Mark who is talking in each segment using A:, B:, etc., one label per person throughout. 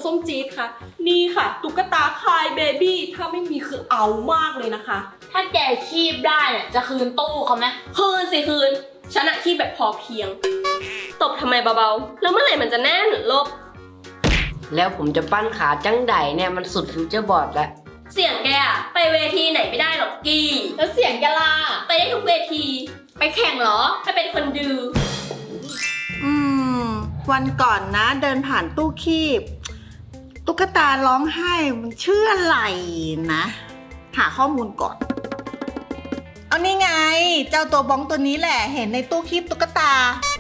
A: ส้มจี๊ดค่ะนี่ค่ะตุ๊กตาคายเบบี้ถ้าไม่มีคือเอามากเลยนะคะ
B: ถ้าแกคีบได้เนี่ยจะคืนตู้เขาไหม
A: คืนสิคืนฉันอะที่แบบพอเพียงตบทำไมเบาๆแล้วเมื่อไหร่มันจะแน่นลบ
C: แล้วผมจะปั้นขาจังไดเนี่ยมันสุดฟิวเจอร์บอร์ดแล้ว
A: เสียงแกอะไปเวทีไหนไม่ได้หรอกกี้
B: แล้วเสียงแกล่ะ
A: ไปได้ทุกเวที
B: ไปแข่งเหรอ
A: ถ้าเป็นคนดู
D: วันก่อนนะเดินผ่านตู้คีบตุ๊กตาร้องไห้มันชื่ออะไรนะ หาข้อมูลก่อน เอานี่ไง เจ้าตัวบ้องตัวนี้แหละเห็นในตู้คีบตุ๊กตา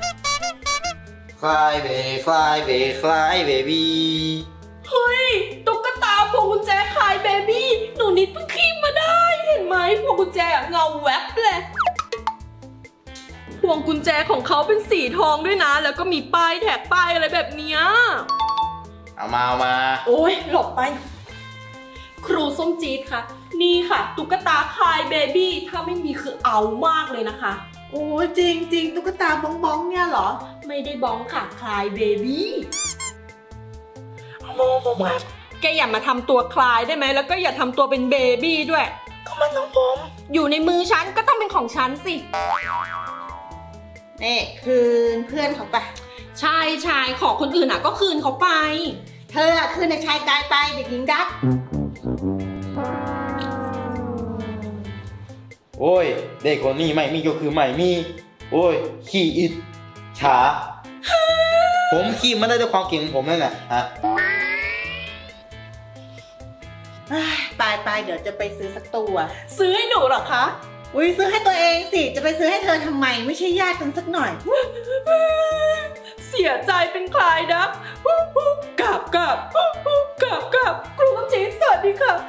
E: Fly baby fly baby fly baby
A: เฮ้ยตุ๊กตาพวงกุญแจคายเบบี้หนูนิดเพิ่งคีบมาได้เห็นไหมพวงกุญแจเงาแวบเลยพวงกุญแจของเขาเป็นสีทองด้วยนะ แล้วก็มีป้ายแท็กป้ายอะไรแบบเนี้ย
E: เอามา
A: โอ้ยหลบไป ครูส้มจี๊ดค่ะนี่ค่ะตุ๊กตาคายเบบี้ถ้าไม่มีคือเอามากเลยนะคะ
D: โอ้ยจริงจริงตุ๊กตาบ้องบ้องเนี่ยเหรอ
A: ไม่ได้บ้องค่ะคลายเบบี้แกอย่ามาทำตัวคลายได้ไหมแล้วก็อย่าทำตัวเป็นเบบี้ด้วยก็มันของผมอยู่ในมือฉันก็ต้องเป็นของฉันสิ
D: นี่คืนเพื่อนเขาไป
A: ใช่ชายของคนอื่นอ่ะก็คืนเขาไป
D: เธออะคืนในชายกายไปเด็กหญิงดัก
E: โอ้ยเด็กคนนี้ไม่มีก็คือไม่มี โอ้ยขี้อิดฉา ผมขี้มันได้ด้วยความเก่งของผมนั่นแหละฮะ
D: ไปเดี๋ยวจะไปซื้อสักตัว
A: ซื้อให้หนูเหรอคะ
D: อุ้ยซื้อให้ตัวเองสิจะไปซื้อให้เธอทำไมไม่ใช่ญาติกันสักหน่อย
A: เสียใจเป็นคลายนะกราบครูส้มจี๊ดสวัสดีค่ะ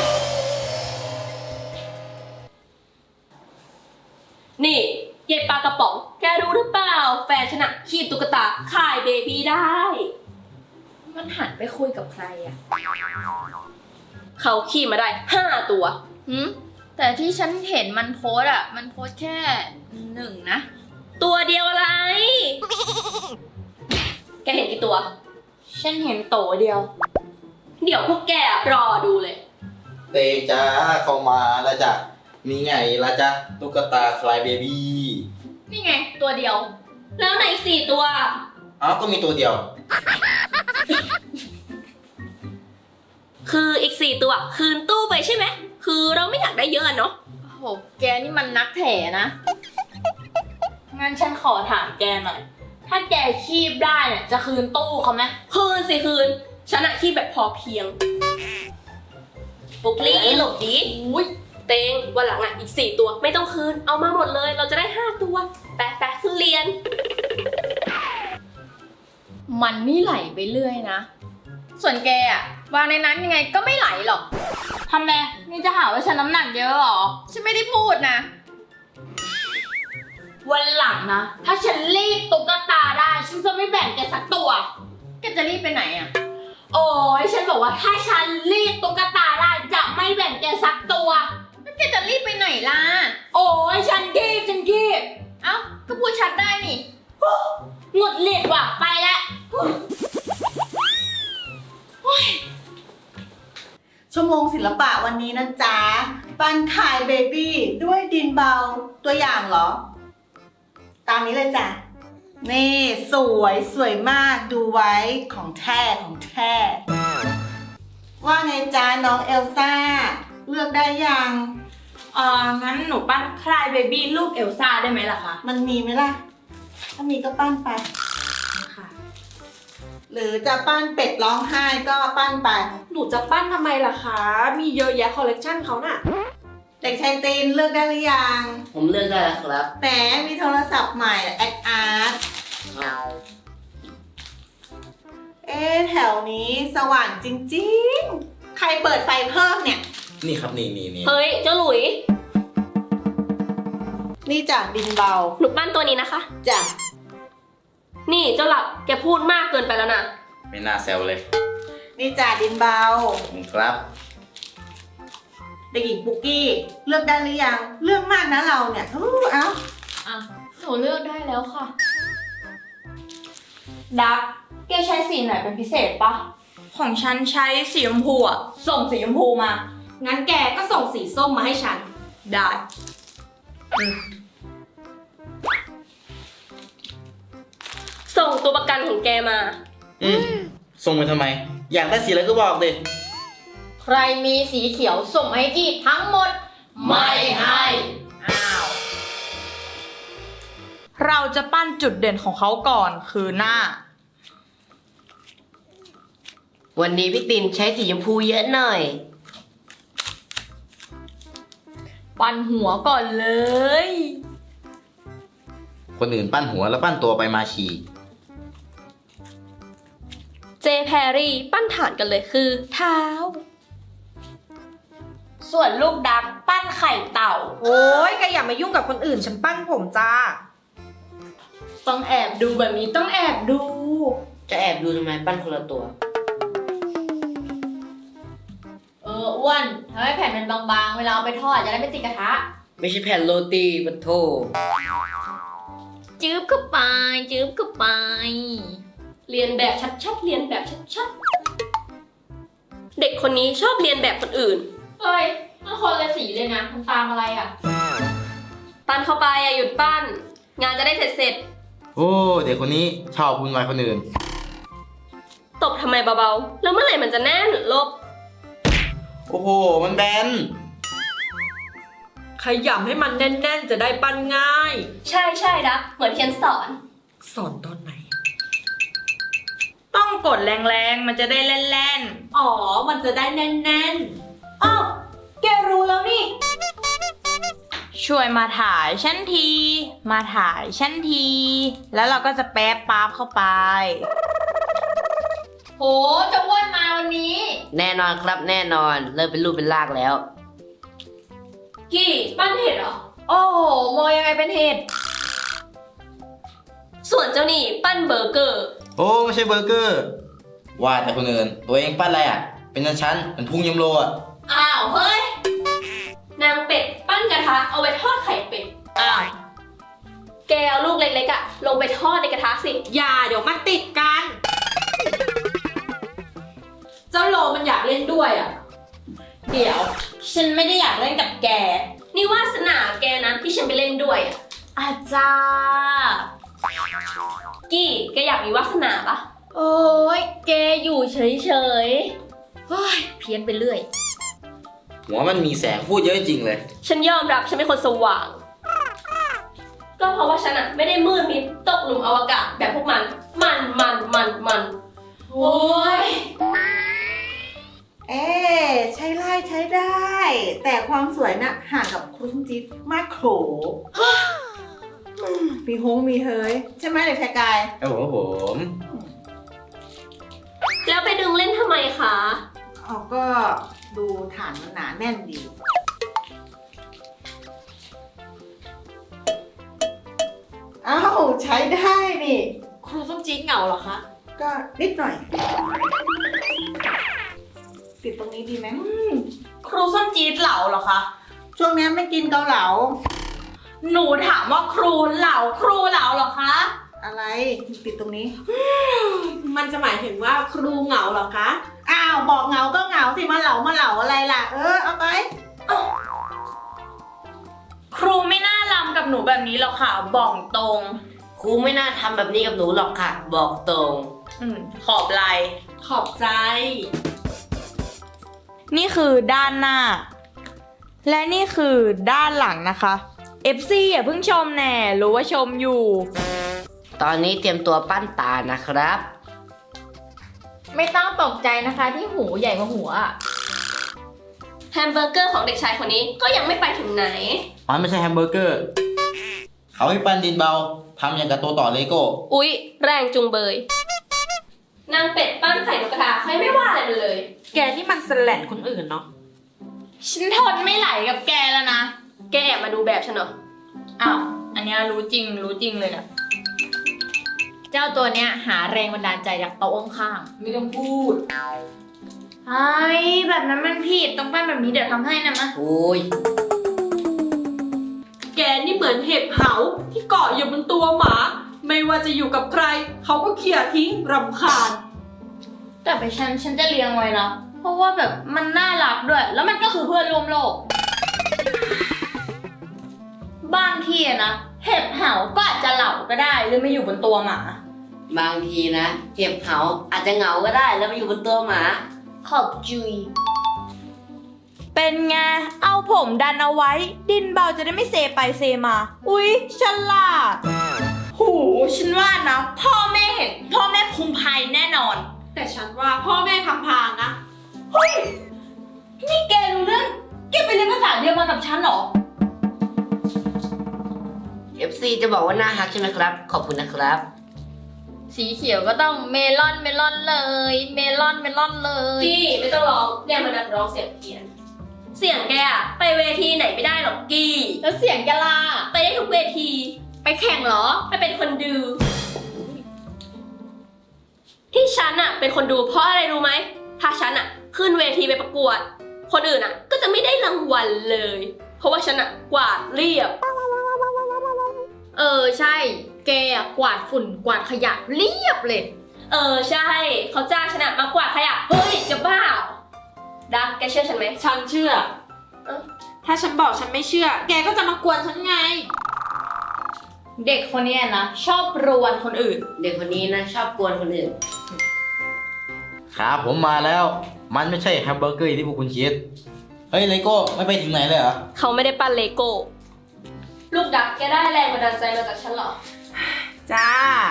A: นี่เย็บปลากระป๋องแกรู้หรือเปล่าแฟนชนะคีบตุ๊กตาคายเบบี้ได้
B: มันหันไปคุยกับใครอะ
A: เขาคีบมาได้5 ตัว
B: แต่ที่ฉันเห็นมันโพสอะมันโพสแค่1นะ
A: ตัวเดียวอะไร แกเห็นกี่ตัว
B: ฉันเห็นโตเดียว
A: เดี๋ยวพวกแกรอดูเลย
E: เตงจ้าเข้ามาแล้วจ้ะนี่ไงละจ้ะตุ๊กตา Fly baby
B: นี่ไงตัวเดียว
A: แล้วไหน4 ตัว
E: อ้าวก็มีตัวเดียว
A: คืออีก4 ตัวคืนตู้ไปใช่ไหมคือเราไม่อยากได้เยอะเนาะ
B: โอ้โห แกนี่มันนักแถนะ งั้นฉันขอถามแกหน่อย ถ้าแกคีบได้เนี่ยจะคืนตู้เขาไหม
A: คืนสิคืนฉันอะที่แบบพอเพียงปุกลี่หลบดีอุ้ยเตงวันหลังอะอีก4 ตัวไม่ต้องคืนเอามาหมดเลยเราจะได้5 ตัวแปะขึ้นเรียน
B: มันนี่ไหลไปเรื่อยนะ ส่วนแกอะวางในนั้นยังไงก็ไม่ไหลหรอกทำไมนี่จะหาว่าฉันน้ำหนักเยอะหรอ ฉันไม่ได้พูดนะ วันหลังนะ ถ้าฉันรีบตุ๊กตาได้ ฉันจะไม่แบ่งแกสักตัว แกจะรีบไปไหนอะโอ้ยฉันบอกว่าถ้าฉันรีบตุ๊กตาได้จะไม่แบ่งแกสักตัวแล้วแกจะรีบไปไหนล่ะ โอ้ยฉันรีบเอ้า ก็พูดชัดได้นี่หงุดหงิดว่ะ ไปแล้ว
D: ชั่วโมงศิลปะวันนี้นะจ๊ะปั้นคายเบบี้ด้วยดินเบาตัวอย่างเหรอ ตามนี้เลยจ้ะ นี่สวยมากดูไว้ของแท้ว่าไงจ๊ะน้องเอลซ่า เลือกได้ยัง
B: งั้นหนูปั้นคลายเบบี้ลูกเอลซ่าได้ไหมล่ะคะ
D: มันมีไหมล่ะ ถ้ามีก็ปั้นไป
B: ค่ะ
D: หรือจะปั้นเป็ดร้องไห้ก็ปั้นไป
A: หนูจะปั้นทำไมล่ะคะมีเยอะแยะคอลเลกชันเขาน่ะ
D: เด็กชายตีนเลือกได้หรือยัง
C: ผมเลือกได้แล้วครับ
D: แหมมีโทรศัพท์ใหม่แอดอาร์ตแถวนี้สว่างจริงๆ ใครเปิดไฟเพิ่มเนี่ย
E: นี่ครับนี่
A: เฮ้ยเจ้าหลุย
D: นี่จ้ะดินเบา
A: หนูปั้นตัวนี้นะคะ
D: จ้ะ
A: นี่เจ้าหลับแกพูดมากเกินไปแล้วนะ
E: ไม่น่าแซวเลย
D: นี่จ้ะดินเบา
E: ครับ
D: เด็กหญิงปุกกี้เลือกได้หรือยัง เลือกมากนะเราเนี่ยเอ้า
B: หนูเลือกได้แล้วค่ะ ดักแกใช้สีไหนเป็นพิเศษปะของฉันใช้สีชมพูอ่ะ ส่งสีชมพูมา
A: งั้นแกก็ส่งสีส้มมาให้ฉัน ได้ ส่งตัวประกันของแกมา
E: ส่งไปทำไม อยากได้สีอะไรก็บอกดิ
B: ใครมีสีเขียวส่งมาให้กี้ทั้งหมด ไม่ให้ อ้าว
F: เราจะปั้นจุดเด่นของเขาก่อนคือหน้า
C: วันนี้พี่ตินใช้สีชมพูเยอะหน่อย
F: ปั้นหัวก่อนเลย
E: คนอื่นปั้นหัวแล้วปั้นตัวไปมาฉี่
A: เจแพรรี่ปั้นฐานกันเลยคือ เท้า
B: ส่วนลูกดักปั้นไข่เต่า
D: โอ้ยแกอย่ามายุ่งกับคนอื่นฉันปั้นผมจ้า
B: ต้องแอบดูแบบนี้ต้องแอบดู
C: จะแอบดูทำไมปั้นคนละตัว
B: อ้วนทำให้แผ่นมันบางๆ เวลาเอาไปทอดจะได้ไม่ติดกระทะ
C: ไม่ใช่แผ่นโรตีปะโถ
B: จื๊บเข้าไป จื๊บเข้าไป
A: เรียนแบบชัดๆ เรียนแบบชัดๆ เด็กคนนี้ชอบเรียนแบบคนอื่น
B: เอ้ยมันคนละสีเลยนะมันตามอะไรอ่ะ
A: ปั้นเข้าไปอย่าหยุดปั้น งานจะได้เสร็จ
E: โอ้เด็กคนนี้ชอบวุ่นวายคนอื่น
A: ๆ ตบทำไมเบาๆ แล้วเมื่อไหร่มันจะแน่นลบ
E: โอ้โห มันแบน
G: ขยำให้มันแน่นๆ จะได้ปั้นง่าย
A: ใช่ๆนะเหมือนเทียนสอน
G: สอนตอนไหน
F: ต้องกดแรงๆ มันจะได้แล่น
G: อ๋อ มันจะได้แน่น
A: อ้าว แกรู้แล้วนี่
F: ๆ ช่วยมาถ่ายชั้นที มาถ่ายชั้นที แล้วเราก็จะแป๊บป๊าบเข้าไป
B: โหจะอ้วนมาวันนี้
C: แน่นอนครับแน่นอน เริ่มเป็นรูปเป็นร่างแล้ว
A: กี่ปั้นเห็ดเหรอ
B: โอ้โหโมยังไงเป็นเห็ด
A: ส่วนเจ้านี่ปั้นเบอร์เกอร์
E: โอ้ไม่ใช่เบอร์เกอร์ ว่าแต่คนอื่น ตัวเองปั้นอะไรอ่ะ เป็นชั้นๆเป็นพุงยมโลอ่ะ
A: อ้าวเฮ้ย นางเป็ดปั้นกระทะเอาไว้ทอดไข่เป็ด
F: อ้าว
A: แกเอาลูกเล็กๆอะลงไปทอดในกระทะสิ
G: ๆ อย่าเดี๋ยวมันติดกัน เจ้าโลมันอยากเล่นด้วยอ่ะ
B: เดี๋ยว ฉันไม่ได้อยากเล่นกับแก
A: นี่วาสนาแกนะที่ฉันไปเล่นด้วยอะ
B: อาจารย์
A: กี้แกอยากมีวาสนาปะ
B: โอ้ยแกอยู่เฉยๆเฮ้ยเพี้ยนไปเรื่อย
E: หัวมันมีแสงพูดเยอะจริงเลย
A: ฉันยอมรับฉันเป็นคนสว่าง ก็เพราะว่าฉันอะไม่ได้มืดมิดตกหลุมอวกาศแบบพวกมัน มัน
B: โอ้ย
D: เอ๊ใช้ไล่ใช้ได้ แต่ความสวยน่ะห่างกับครูส้มจี๊ดมากโขมีฮงมีเฮยใช่ไหมเด็กชายกาย
E: โอ้โหผม
A: แล้วไปดึงเล่นทำไมคะ
D: เอาก็ดูฐานมันหนาแน่นดี อ้าวใช้ได้นี่
G: ครูส้มจี๊ดเหงาเหรอคะ
D: ก็นิดหน่อย ติดตรงนี้ดีไหม
F: ครูส้มจี๊ดเหลาเหรอคะ
D: ช่วงนี้ไม่กินเกาเหลา
F: หนูถามว่าครูเหลาเหรอคะ
D: อะไรติดตรงนี้
G: มันจะหมายถึงว่าครูเหงาเหรอคะ
D: อ้าวบอกเหงาก็เหงาสิมาเหลาอะไรล่ะ เอาไป
F: ครูไม่น่าลำกับหนูแบบนี้หรอกค่ะ บอกตรง
C: ครูไม่น่าทำแบบนี้กับหนูหรอกค่ะ บอกตรง
F: ขอบไหล
G: ขอบใจ
F: นี่คือด้านหน้า และนี่คือด้านหลังนะคะ FC อย่าเพิ่งชมแน่ รู้ว่าชมอยู่
C: ตอนนี้เตรียมตัวปั้นตานะครับ
B: ไม่ต้องตกใจนะคะที่หูใหญ่กว่าหัวอะ
A: แฮมเบอร์เกอร์ของเด็กชายคนนี้ก็ยังไม่ไปถึงไหน
E: มันไม่ใช่แฮมเบอร์เกอร์ เขาให้ปั้นดินเบาทำอย่างกับตัวต่อเลโก้
A: อุ๊ย แรงจุงเบย นางเป็ดปั้นไข่นกกระทาใครไม่ว่าอะไรมันเลย
G: แกนี่มันสแลนคนอื่นเนาะ
B: ฉันทนไม่ไหลกับแกแล้วนะ
A: แกแอบมาดูแบบฉันเหรอ
F: อ้าว อันเนี้ยรู้จริงเลยนะ
B: เจ้าตัวเนี้ยหาแรงบันดาลใจจากโต๊ะข้าง
G: ไม่ต้องพูด
F: ไอ้แบบนั้นมันผิดต้องปั้นแบบนี้เดี๋ยวทำให้นะมะ
C: โอ้ย
G: แกนี่เหมือนเห็บเหาที่เกาะอยู่บนตัวหมา ไม่ว่าจะอยู่กับใคร เขาก็เขี่ยทิ้งรำคาญ
B: แต่ไปฉันจะเลี้ยงไว้นะ เพราะว่าแบบมันน่ารักด้วย แล้วมันก็คือเพื่อนร่วมโลก บางทีอะนะ เห็บเหาก็อาจจะเหล่าก็ได้หรือมาอยู่บนตัวหมา
C: บางทีนะเห็บเหาอาจจะเหงาก็ได้แล้วมาอยู่บนตัวหมา
B: ขอบจุย
F: เป็นไง เอาผมดันเอาไว้ ดินเบาจะได้ไม่เซไปเซมา อุ๊ยฉลาด
B: หูฉันว่านะ พ่อแม่เห็น พ่อแม่ภูมิภัยแน่นอน
G: แต่ฉันว่าพ่อแม่ทำพางนะ
B: นี่แกรู้เรื่อง แกไปเรียนภาษาเดียวมากับฉันเหรอ
C: FC จะบอกว่าน่าฮักใช่ไหมครับ ขอบคุณนะครับ
B: สีเขียวก็ต้องเมลอนเลย เมลอนเลย
A: กี้ไม่ต้องร้องเรียกมันนักร้องเสียงเพี้ยน เสียงแกอะไปเวทีไหนไม่ได้หรอกกี้
B: แล้วเสียงแกล่ะ
A: ไปได้ทุกเวที
B: ไปแข่งเหรอ
A: ไปเป็นคนดู ที่ฉันอะเป็นคนดูเพราะอะไรรู้ไหม ถ้าฉันอะขึ้นเวทีไปประกวด คนอื่นอะก็จะไม่ได้รางวัลเลย เพราะว่าฉันอะกวาดเรียบ
B: ใช่ แกอะกวาดฝุ่นกวาดขยะเรียบเลย
A: ใช่เขาจ้างฉันอะมากวาดขยะเฮ้ยจะบ้าเหรอดักแกเชื่อฉันไหม
G: ฉันเชื่อ ถ้าฉันบอกฉันไม่เชื่อ แกก็จะมากวนฉันไง
B: เด็กคนเนี้ยนะ ชอบรวนคนอื่น
C: เด็กคนนี้นะชอบกวนคนอื่น
E: ครับผมมาแล้ว มันไม่ใช่แฮมเบอร์เกอร์ที่พวกคุณคิด เฮ้ยเลโก้ไม่ไปถึงไหนเลยเหรอ
A: เขาไม่ได้ปั้นเลโก้ ลูกดักแกได้แรงบันดาลใจมาจากฉันเหรอ
D: จ้า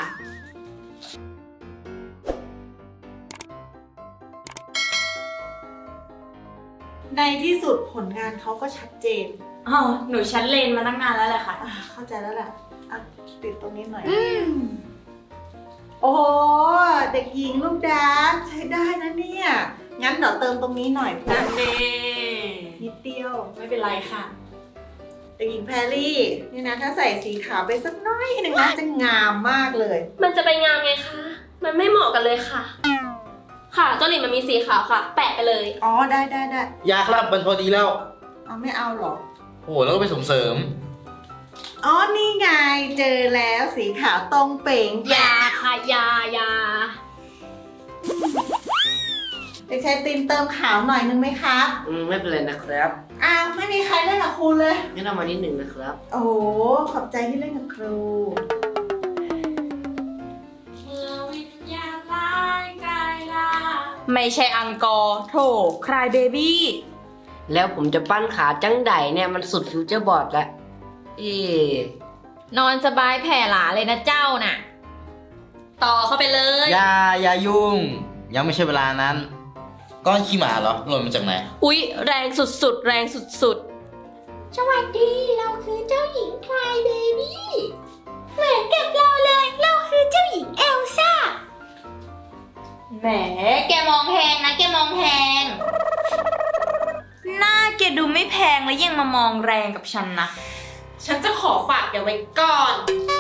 D: ในที่สุดผลงานเขาก็ชัดเจน
F: อ๋อ หนูชั้นเลนมาตั้งนานแล้วแหละค่ะ
D: เข้าใจแล้วแหละอ่ะติดตรงนี้หน่อย โอ้โห เด็กหญิงลูกดาร์กใช้ได้นะเนี่ย งั้นเดี๋ยวเติมตรงนี้หน่อยเพื่อ
G: นั่นเน่
D: นิดเดียว
G: ไม่เป็นไรค่ะ
D: เด็กหญิงแพรรี่ นี่นะถ้าใส่สีขาวไปสักน้อยหนึ่งนะจะงามมากเลย
A: มันจะไปงามไงคะ มันไม่เหมาะกันเลยค่ะ ค่ะเจ้าหลินมันมีสีขาวค่ะ แปะไปเลย
D: อ๋อ ได้ได้ได้
E: ยาครับมันพอดีแล้ว
D: เอาไม่เอาหรอ
E: โอ้โหแล้วก็ไปส่งเสริม
D: อ๋อ นี่ไง เจอแล้วสีขาวตรงเป่ง
B: ยาค่ะยา
D: เด็กชายตินเติมขาวหน่อยนึงไหมครับ
C: ไม่เป็นไรนะครับ
D: อ้าวไม่มีใครเล่นกับครูเลย
C: งั้นเอามานิดหนึ่งนะครับ
D: โอ้โห ขอบใจที่เล่นกับครู
G: วิญญาณร้ายกายล่า
F: ไม่ใช่อังกอร์โถคลายเบบี้
C: แล้วผมจะปั้นขาจังไดเนี่ยมันสุดฟิวเจอร์บอร์ดแล้ว
B: นอนสบายแผ่หลาเลยนะเจ้าน่ะ
A: ต่อเข้าไปเลย
E: อย่ายุ่ง ยังไม่ใช่เวลานั้น ก้อนขี้หมาเหรอหล่นมาจากไหน
A: อุ๊ย แรงสุดๆ แรงสุด
B: สวัสดีเราคือเจ้าหญิงคลายเบบี้เหมือนกับเราเลย เราคือเจ้าหญิงเอลซ่า แหม แกมองแพงนะ แกมองแพง
F: หน้าแกดูไม่แพงแล้วยังมามองแรงกับฉันนะ
G: ฉันจะขอฝากแกไว้ก่อน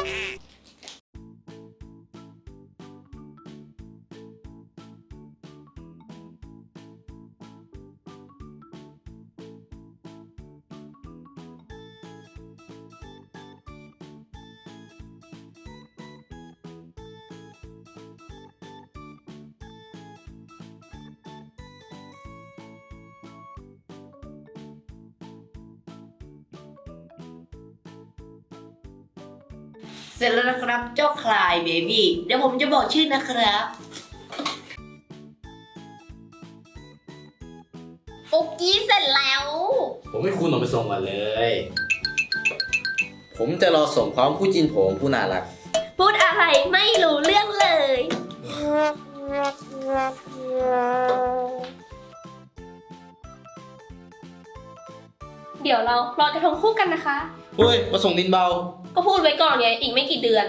C: เสร็จแล้วนะครับเจ้าคลายเบบี้เดี๋ยวผมจะบอกชื่อนะครับ
B: ปุ๊กกี้เสร็จแล้ว
E: ผมให้คุณออกไปส่งก่อนเลย ผมจะรอส่งพร้อมคู่จินผมผู้น่ารัก
A: ๆ พูดอะไรไม่รู้เรื่องเลย เดี๋ยวเราลอยกระทงคู่กันนะคะ
E: เฮ้ย มาส่งดินเบา
A: ก็พูดไว้ก่อนไงอีกไม่กี่เดือน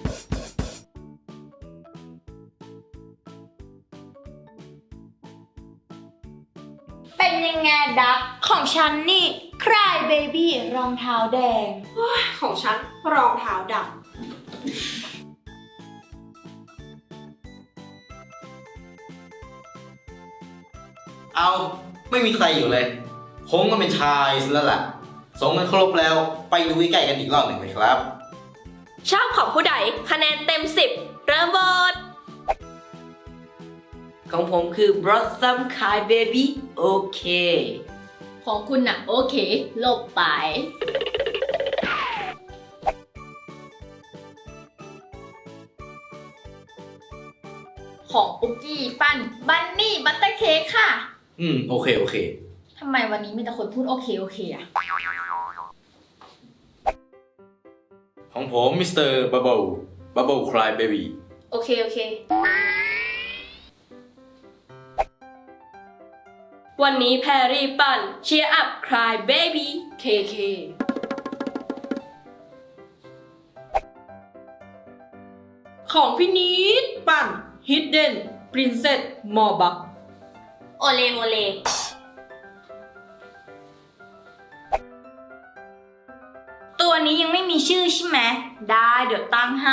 F: เป็นยังไงดักของฉันนี่คลายเบบี้รองเท้าแดง
G: ของฉันรองเท้าดำ
E: เอาไม่มีใครอยู่เลย คงก็เป็นชายซะแล้วล่ะส่งกันครบแล้วไปดูใกล้ๆกันอีกรอบหนึ่งเลยครับ
A: ชอบของผู้ใดคะแนนเต็ม 10 เริ่มโหวต
C: ของผมคือ Blossom Cry Baby โอเค
B: ของคุณน่ะโอเคลบไป ของปุ๊กกี้ปั้นบันนี่บัตเตอร์เค้กค่ะ
E: โอเค
B: ทำไมวันนี้มีแต่คนพูดโอเคอะ
E: ของผมมิสเตอร์บับเบิลคลายเบบี้
B: โอเค
A: วันนี้แพรรี่ปั่น Cheer up cry baby KK ของพี่นิดปั่น Hidden Princess m o r b u c k
B: โอเลโมเล
F: ตัวนี้ยังไม่มีชื่อใช่ไหม ได้เดี๋ยวตั้งให้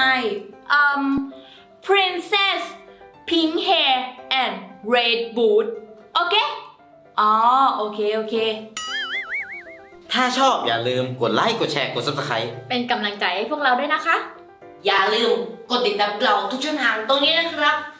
F: Princess Pink Hair and Red Boot โอเค อ๋อ โอเค
E: ถ้าชอบอย่าลืมกดไลค์ กดแชร์ กด Subscribe
B: เป็นกำลังใจให้พวกเราด้วยนะคะ
C: อย่าลืมกดติดตามเราทุกช่องทางตรงนี้นะครับ